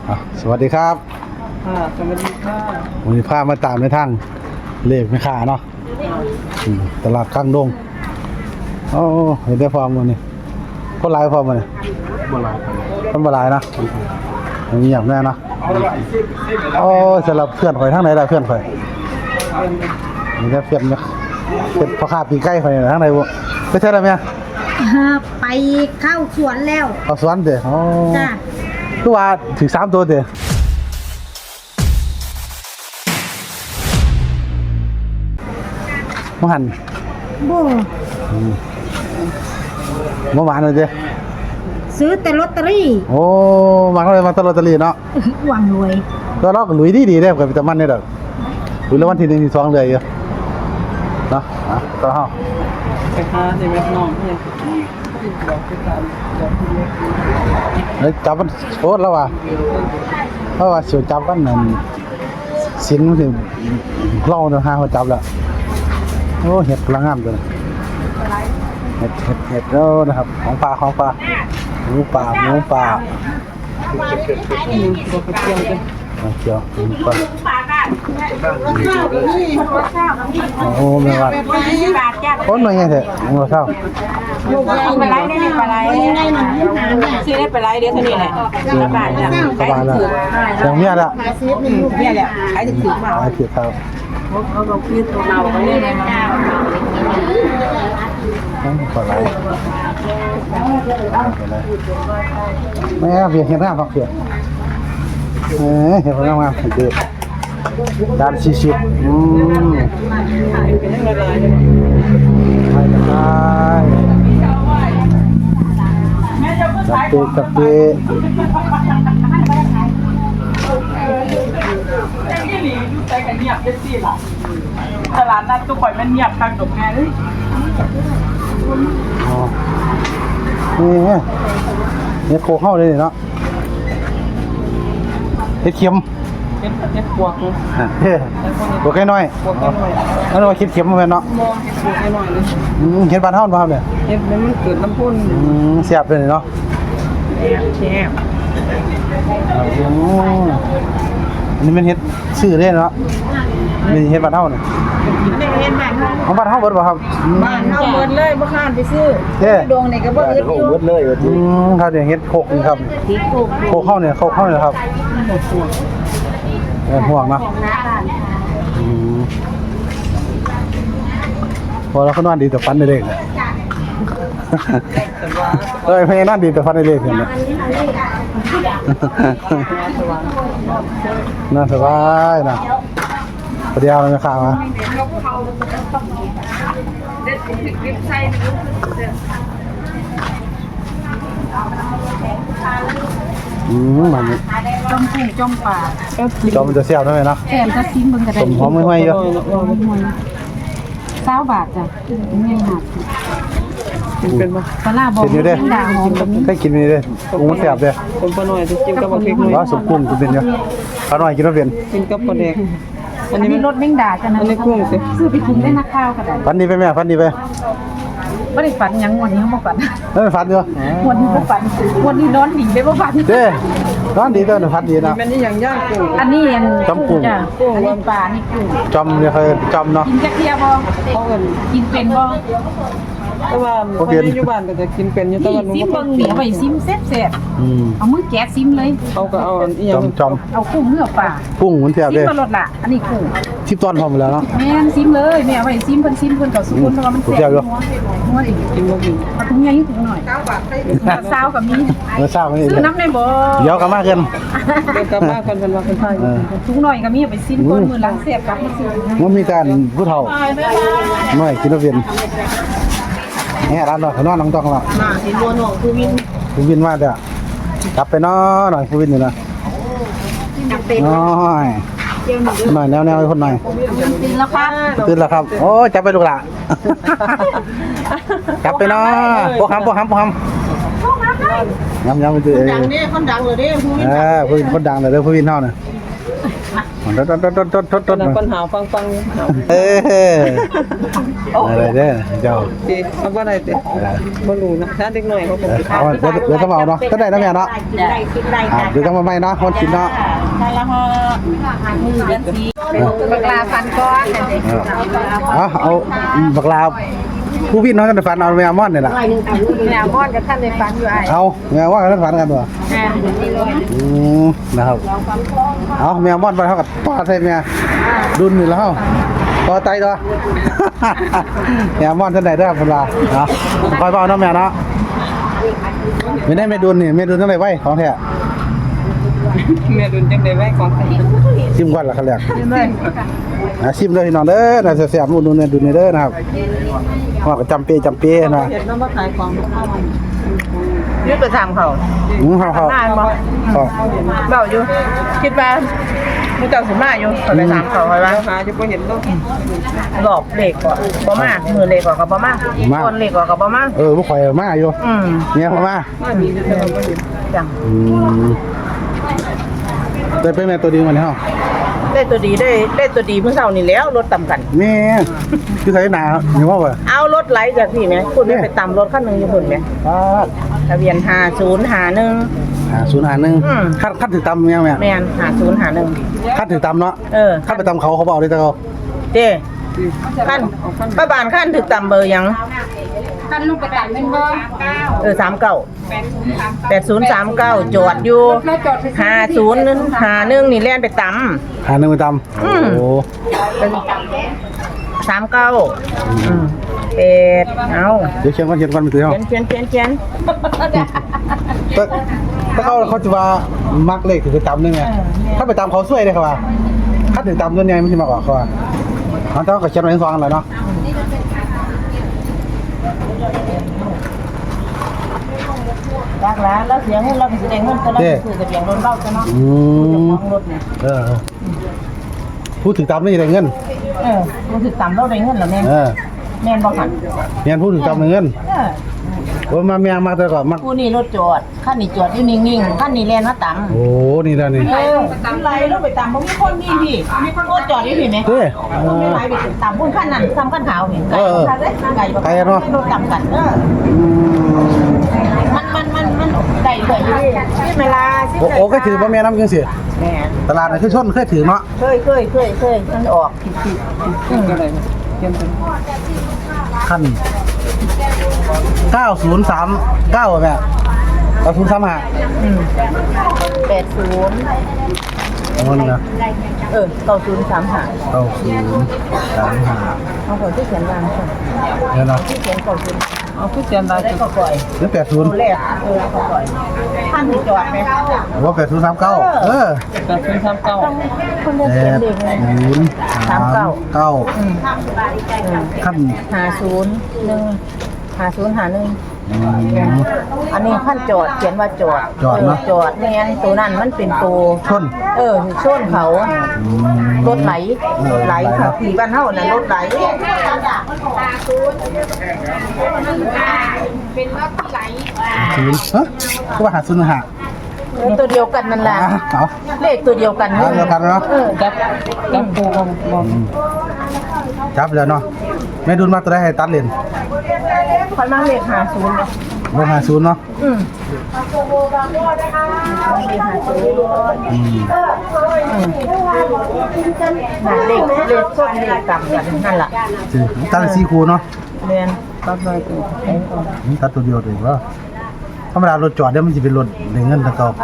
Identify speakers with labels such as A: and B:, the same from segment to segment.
A: สวัสดีครับ
B: สวัสดีค่ะ
A: วันนี้พามาตามในทางเลขไม่ขาเนาะตลาดข้างดงโอ้เห็นได้ฟอร์มวันนี้คนหลายฟอร์มวันนี้คนบ่หลายนะเงียบแน่เนาะโอ้สำหรับเพื่อนข่อยทั้งไหนได้เพื่อนข่อยนี่ได้เพื่อนเนี่ยเป็นพ่อค้าปีใกล้ข่อยทั้งไหนบ่ไปเท่าไหร่แม่
C: ไปเข้าสวนแล้ว
A: เอาสวนเด้อ
C: จ้ะ
A: คือว่าถึง3ตัวเด้อบ่หัน
C: บ่
A: เมื่อวานเลยเด้
C: ซื้อแต่ลอตเตอรี่
A: โอ้มาเลยมาตลอดตลีเนาะ
C: หวังรวย
A: ก็เราก็ลุยดีๆได้กับวิตามินนี่ดอกลุยแล้ววันที่1ที่2เลยอยู่เนาะก็เฮา
B: ไปหาที่แม่น้องเพิ่น
A: แล้วจับมันโคตรแล้วว่ะเพราะว่าสิจับกันนั่นสินมันสิเล่าเนาะหาเขาจับแล้วโอ้เห็ดพลังงามตัวนี้เห็ดแล้วนะครับของปลาหมูป่าเกี่ยวโอ้ไม่ว่าคนหน่อยไงเถอะเราเศร้า
B: ไปไล่ได้ไปไล่ซื้อได้ไปไล่เดี๋ยวเท่านี้แหละสบายแล้ว
A: สบายแล้วอย่างเนี้ยละ
B: เนี่ยแหละไอ้ถึงมา
A: ไอ้เกี่ยวครับ
B: เขาบอกคือตัวเราเขาเรียกอะไรมา
A: ขอไล่แม่เพียงแค่หน้าพักเพียงเห็นพนักงานเด็กด้าน40ไปจับเตะ
B: ตลาดนัดก็ปล่อยมันเงียบทางดอกแง่เลย
A: นี่โคเข้าเลยเนาะเฮ็ดเข็ม
B: เฮ็ดบวกเลย
A: บวกแค่น้อยแล้วเราคิดเข็มมาเป็นเนาะ
B: มองเฮ็ดบวกให้หน่อยเลย
A: เฮ็ดบ้านเฮาบ่ครับเนี่ย
B: เฮ็ดมันเกิดน้ำพ่น
A: เสียบเลยเนาะ
B: แซ่บ
A: อันนี้มันเฮ็ดชื่อได้เนาะนี่เฮ็ดบ้านเฮาเนี่ย
B: เฮ็ดบ้านเฮา
A: ของบ้านเฮาเบิดบ่ครับ
B: บ้านเฮาเบิดเลยบ่ค้านไปซื้อดงนี่ก็บ่อึดอยู่
A: เบิดเลยครับเนี่ยเฮ็ดโคกนี่ครับโคกเข้าเนี่ยครับห่วงเนาะพอเราก็นอนดีแต่ฟันได้เล็กเนี่ยเพลงนั่นดีแต่ฟันได้เล็กเนี่ยน่าสบายนะประเดี๋ยวเราจะข่าวมามัน
C: จมป่า
A: จมมันจะเสียบได้ไหมเนาะ
C: แถมจะซิมเบิ่งก็ได้
A: สมหอมไม่เยอะ
C: 20 บาทจ้ะไม่หัก
B: เป็นบ่
C: ปลาบ่ด่างหอมแบบนี้
A: ให้กินนี่เด้กุ้งเสียบเด้
B: คนปลาหน่อยจะกินกับบ่เผ็ดหน่อย
A: ว่าสมกุ้งกินเป็นเยอะปลาหน่อยกินแล้วเป็น
B: กินกับปลาแดก
C: อันนี้รสแมงดาจ้ะนะ
B: อันนี้กุ้งสิ
C: ซื้อไปกินได้นักข้าวก็ได้
A: ฟันดีไปแม่ฟันดีไป
C: บ่ได้ฝันหยังวันนี้บ่ฝัน
A: ฟันอยู่
C: วันนี้บ่ฝันวันนี้นอนดีไปบ่ฝัน
A: เด้นอนดีเด้อฟันดีนะ
B: มันนี่อย่างย่างกุ้ง
C: อันนี้
A: จอมกุ้ง
C: จ้ะอันนี้ปลานี่กุ้ง
A: จอมเนี่ยเคยจอมเนาะ
C: กินจักเที่ยบ่
B: เขาเอิ้น
C: กินเป็นบ่
B: แต่ว่าคนอยู่บ้านก็จะกินเป็นอยู่แต่ว่า
C: ซิมเบิ่งนี่เอาไว้ซิมแซ่บๆเอามือแกะซิมเลย
B: เขาก็เอาอีหยัง
A: จอม
C: เอากุ้งเนื้อปลา
A: กุ้งมันเทียบเด้
C: ซิมมาลดล่ะอันนี้กุ้ง
A: ชิมตอนพอหมดแล้วเนาะ
C: แม่นซิมเลยแม่เอาไว้ซิมเพิ่นก็สุกคนเพราะว่ามันแซ่บนัวอีก
B: กินบ่กิน
C: เอาถุงใหญ่ถุงหน่อย9 บาทก็มี
A: ซาวนี่
C: ซื้อน้ำได้บ่
A: เดี๋ยวกลับมากัน
B: เดี๋ยวกลับมากันเป็นว่าเป็นไผ
C: ถุงหน่อยก็มีเอาไปซิมคนมื้อหลังแซ่บกลับมาซื้อ
A: มันมีการผู้เฒ่าน้อยกินแล้วเป็นเนี่ยร้านนอนน้องต้องละ
B: น่าเห็นบัวหนองคือ
A: วินมาเด้อกลับไปนอนหน่อยวินอยู่นะน้อยแนวคนหน่อย
C: ตื่นแล้วครับ
A: ตื่นแล้วครับโอ้จับไปลูกหล่ะจับไปนอนพวกคำย้ำไปตื่น
B: ดังนี่คนดังเลยดิ
A: ผู้วินคนดังเลยผู้วินเท่าน่ะต้น
B: คนหาวฟังหาว
A: อะไรเด้อเจ้า
B: ดีเอาบ่ได้ติบ่รู้นะถ้าเด็กน้อยเขาคงสิ
A: เอาเดี๋ยวต้องเอาเนาะก็ได้นะแม่เนาะ
B: ได้คิดได้
A: เดี๋ยวต้องมาใหม่เนาะคนกินเนาะ
B: ใช่แล้วฮะเดือนสีบักลาฟันก้อนนั่นเอง
A: เอาบักลาผู้พี่น้องกันฝันเอาแมวมอนนี่แหละ
B: แมวมอนกับท่านในฟันอยู่ไอ้
A: เอาแมวมอนกันฝันกันตัวนะครับเอาแมวมอนไปเท่ากับป้าใช่ไหมดุนอยู่แล้วต่อไตตัวแมวมอนท่านใดได้ครับเวลาเนาะคอยเบาเนาะแมวเนาะไม่ได้ไม่ดุนนี่ไม่ดุนทั้งไหนไว้ของแท้
B: แม่ดุนจังได้ไว้ของใคร
A: ชิมก่อนละครับแรกชิมเลยพี่น้องเด้อน่าจะแซ่บนู่นนี่ดุนนี่เด้อนะครับว่าก็จำเปนะ
B: เห็นน้ำมาขายของข้าวยืดไปทางเขา
A: เขา
B: นานบ่เบาอยู่คิดว่ามูเจ้าสิมาอยู่ไปถามเขาไว้ว่าหาจะบ่เห็นลูกหลอบเหล็กกว่าบ่มามือเหล็กกว่ากับบ่มาคนเหล็กกว่ากับบ่มา
A: บ่ข่อยมาอยู่เนี่ยมา
B: จัง
A: ได้เป็นแม่ตัวดีมันเฮา
B: ได้ตัวดีได้ตัวดีเมื่อเช้านี่แล้วรถต่ำกัน
A: แม่คือใส่หนาอยู่ว่าบ่
B: เอารถไหลจากพี่ไหมคุณไปต่ำรถคันนึงอยู่พุ่นไหมทะเบียน5051
A: 051คัดถือตำแม่
B: แม่น5051
A: คัดถือตำเนาะ คัดไปตำเขาเอาได้แต่เขา
B: เด้ขั้นป้าบานขั้นถึกต่ำเบอร์ยัง
C: ท่านลูกไปตัดเป็นบ่
B: 3039จอดอยู่5051นี่แล่นไปต่ำ
A: หาหนึ่งไปตำโอ้
B: 39เป็ดเอา
A: เดี๋ยวเขียนก่อนไปถือเฮา
B: เขียน
A: ถ้าเขาจะว่ามักเลขถือไปตำได้ไหมถ้าไปตำเขาช่วยได้ครับว่าคัดถือตำส่วนใหญ่มันสิมากกว่าเขาว่าเขาต้องก็เขียนไว้2อันแล้วเนาะ
B: รักแล้วแล้วเสียเงินเราก็สิได้เงินก็เราซื้อกับเสียงรถเบ้าซะเนาะรถเนี่ย
A: พูดถึงตำนี่ได้เงิน
B: รู้สึกต่ำเราได้เงินแล้วแม่แม่นบ่หัน
A: เมียนพูดถึงตำได้เงินโอ้มาเมียมาแต่ก่อนมา
B: ผู้นี้รถจอดคันนี้จอดอยู่นิ่งๆคันนี้แล่นมาต่ำ
A: โอ้นี่แล้วนี่
B: ต่ำไรรถไปต่ำบ่มีคนมีพี่มีคนรถจอดอยู่พี่ไหม
A: เด้อ
B: ไม่ไหลไปต่ำพุ่นขั้นนั้นซ้ำขั้นขาวเห็นไก่ไก่รถต่ำกันมันไก่เหลืออยู่เวลา
A: โอ้ก็ถือว่าแม่น้ำจังสิตลาดน่ะคือชนเคยถือเนาะ
B: เคยมันออก
A: ขั้น9039แม่9035
B: 80
A: เอานี่นะ
B: 9035 เอาคนที่เขียนวางก่อน
A: เดี๋ยวนะ
B: ที่เขียน90เอาที่เขียนวางก็ปล่อย
A: หรือ80
B: แรกก็ปล่อยท่านที่จอดไหม
A: ว่า8039
B: คนได้เขียนเด็กเลย
A: 8039ขั้น
B: 5051อันนี้ขั้นจอดเขียนว่าจอดจอดไม่งั้นตัวนั้นมันเป็นตัว
A: ชน
B: ชนเขารถไหลค่ะผีบ้านเฮาน่ะรถไหล
C: เป็นรถที่ไหล
A: ฮะก็ว่าหาซุนหา
B: ตัวเดียวกันนั่นแหละ
A: เอา
B: เลขตัวเดียวกัน
A: เดียวกันเนาะ
B: จับปูบ่
A: จับแล้วเนาะแม่ดุลมาตัวได้ให้ตัดเลน
B: ค่อยมาเลข50
A: ลง50เนาะ
B: เลขส้นเลขต่ำกันนั่นแหละ
A: ตัด4คู่เนาะ
B: เรียนตัดเลยตัว
A: ตัดตัวเดียวเลยว่าธรรมดารถจอดเนี่ยมันจะเป็นรถได้เงินตะเก่าร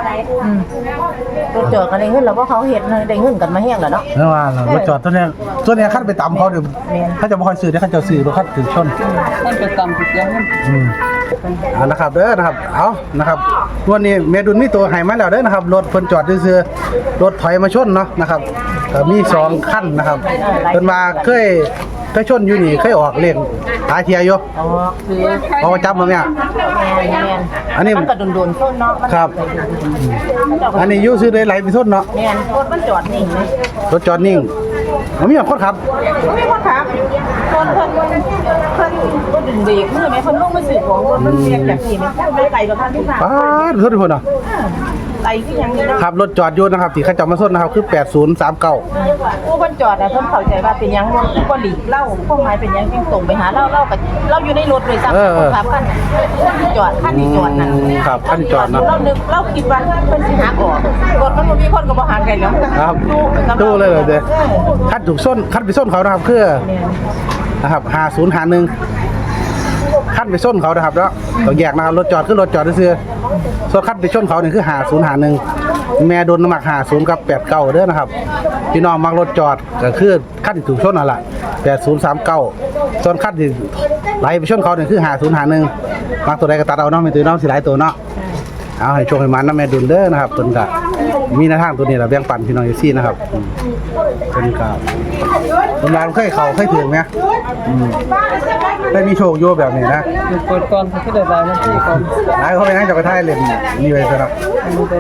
B: ถจอดกันได้เงินแล้วก็เขาเห็นได้เงินกันมาแห้งแล้วเนาะ
A: เมื่อวานรถจอดตัวเนี้ยคันไปตามเขาเดี๋ยวเขาจะบ่ค่อยซื้อเดี๋ยวเขาจะซื้อรถคันถึงชน
B: ท่านไปต่ำถูกยัง
A: เอานะครับเด้อนะครับเอานะครับวันนี้แม่ดุลมีตัวให้มาแล้วเด้อนะครับรถเพิ่นจอดซื่อๆรถถอยมาชนเนาะนะครับก็มี2คันนะครับเพิ่นมาเคยชนอยู่นี่เคยออกเลขหาเทียอยู่
B: คือ
A: พอจับมาเนี่ย อันนี้
B: มันก็โดนๆส้นเนาะ
A: ครับอันนี้อยู่ซื้อได้ไหลไปชนเนาะ
B: แม่นรถมันจอดนิ่งเลย
A: รถจอดนิ่งมันมีคนขับ
B: ไม่คนครับคนก็ดึงเบรกมือไหมคนลงมาสื่อของรถมันเรียกจากที่ไหมไม่ไกลกับท่านที่ผ่าน
A: ป้าดรถทุกคนเนาะ
B: ไหลขึ้นยังนี่เนาะ
A: ครับรถจอดอยู่นะครับที่เขาจอดมาส้นนะครับคือ8039
B: ผู้เพิ่นจอดน่ะเพิ่นเข้าใจว่าเป็นหยังบ่หลีกเล่าพวกหมายเป็นหยังยังตรงไปหาเล่ากับเราอยู่ในรถเลยซ้ำคนขับกันจอดคันที่จอดนั่น
A: ครับคันที่จอดเนาะ
B: เรานึกเราคิดว่าเพิ่นสิหักออกรถมันบ่มีคนก็บ่ห่างกันแล้ว
A: ครับตู้เลยเด้อคันถูกส้นคันไปส้นเขานะครับคือนะครับ5051คันไปส้นเขานะครับแล้วต้องแยกนะครับรถจอดคือรถจอดซื่อส่วนคันไปส้นเขานี่คือ5051แม่โดนน้ำหนัก50กับ89เด้อนะครับพี่น้องมักรถจอดก็คือคันที่ถูกชนนั่นล่ะ8039ส่วนคันที่ไหลไปชนเขานี่คือ5051มักตัวใดก็ตัดเอาเนาะไม่ตื่นเนาะสิหลายตัวเนาะเอาให้โชคให้มันนะแม่ดุลเด้อนะครับต้นกะมีหน้าทางตัวนี้ล่ะแบ่งปันพี่น้องอยู่ซี่นะครับต้นกะต้นลานเคยเข้าเคยถึงมั้ยได้มีโชคอยู่แบบนี้นะ
B: เปิดก่อนคือได้นะที่ก่อน
A: หลายเขาไปนั่งจักรไทยเล่นนี่ไว้ซะเนาะ
B: ได้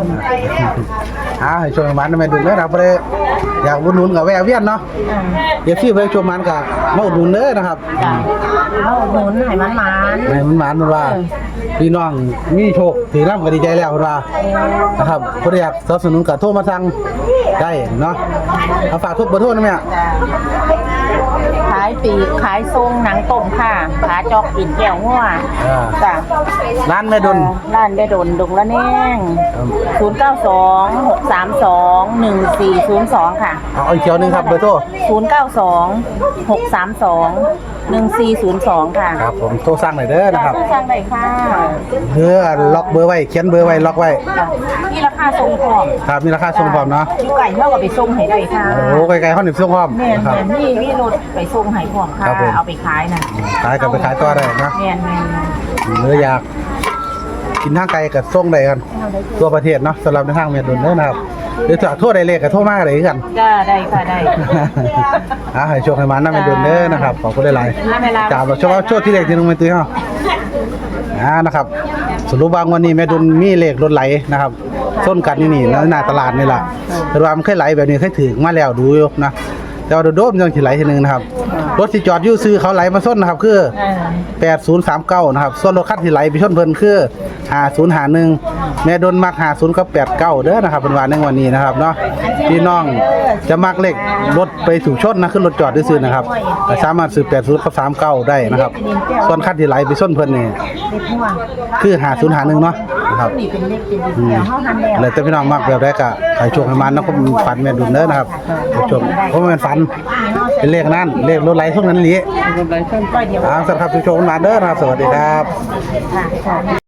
B: 3
A: ให้โชคให้มันนะแม่ดุลเด้อนะครับบ่ได้อยากอุดหนุนก็แวะเวียนเนาะเดี๋ยวซี่เพิ่นโชคมันก็มาอุดหนุนเด้อนะครับ
B: จ้ะเอาหนุนให้มัน
A: ให้มันหมานมันว่าพี่น้องมีโชคถือน้ำก็ดีใจแล้วเพิ่นว่านะครับผู้ใดอยากสนับสนุนก็โทรมาสั่งได้เนาะเอาฝากทุกเบอร์โทรนะแม่
B: ขายปีกขายทรงหนังต้มค่ะขาจอกกินแก้วงัวจ้ะ
A: ร้านแม่ดุล
B: ร้านได้ดนดงละแนง0926321402ค่ะ
A: เอาอีกเที่ยวหนึงครับเบอร์โทร
B: 0926321402ค่ะ
A: ครับผมโทรสั่งหน่อยเด้อนะครับ
B: จ้างได้ค่ะ
A: เพื่อล็อกเบอร์ไว้เขียนเบอร์ไว้ล็อกไว้
B: นี่ราคาทรงพร้อม
A: ครับมีราคาส่งพร้อมเนาะ
B: อยู่ไก่เท่ากับไปส่งให้ได้ค่ะ
A: โอ้ไกลๆเฮานี่ส่งพร้อม
B: แม่น
A: นะครับ
B: แม่นนี่รถไปส่งให้พร้อมค่ะ
A: ครับผม
B: เอาไปขายน่ะ
A: ขายกับไปขายต่อได้นะ
B: แม่น
A: หรืออยากกินทางไกลก็ส่งได้กันทั่วประเทศเนาะสำหรับในทางแม่ดุลเด้อนะครับหรือถ้าโทรได้เลขก็โทรมาได้คือกัน
B: จ้าได้ค่ะได้
A: ให้โชคให้มันนะแม่ดุลเด้อนะครับขอบคุณหลายๆจากเราเฉพาะโชคที่เลขที่น้องแม่ตุ้ยเฮานะครับสรุปว่างวันนี้แม่ดุลมีเลขรถไหลนะครับส้นกันนี่หน้าตลาดนี่ล่ะแต่ว่ามันเคยไหลแบบนี้เคยถึงมาแล้วดูอยู่นะแต่ว่าโดดๆยังสิไหลทีนึงนะครับรถที่จอดอยู่ซื้อเขาไหลมาส้นนะครับคือ8039นะครับส่วนรถคันที่ไหลไปชนเพิ่นคือ5051แม่ดุลมัก50กับ89เด้อนะครับเป็นวันในวันนี้นะครับเนาะพี่น้องจะมักเลขรถไปถูกชนนะขึ้นรถจอดซื่อๆนะครับก็สามารถซื้อ80กับ39ได้นะครับส่วนคันที่ไหลไปชนเพิ่นนี่
B: เล็กม่วง
A: คือ5051เนาะนะครับ
B: นี่เป็นเล็กเป็นเดียวเฮาหันแล้ว
A: เลยแต่พี่น้องมักแบบได้ก็ให้โชคให้มันเนาะผมฝันแม่ดุลเด้อนะครับให้โชคเพราะมันเป็นฝันเป็นเลขนั้นเลขรถไหลพวกนั้นหลี
B: รถไหลเส้นป้ายเดียว
A: สำหรับผู้ชมมาเด้อนะครับสวัสดีครับ
B: ค่ะ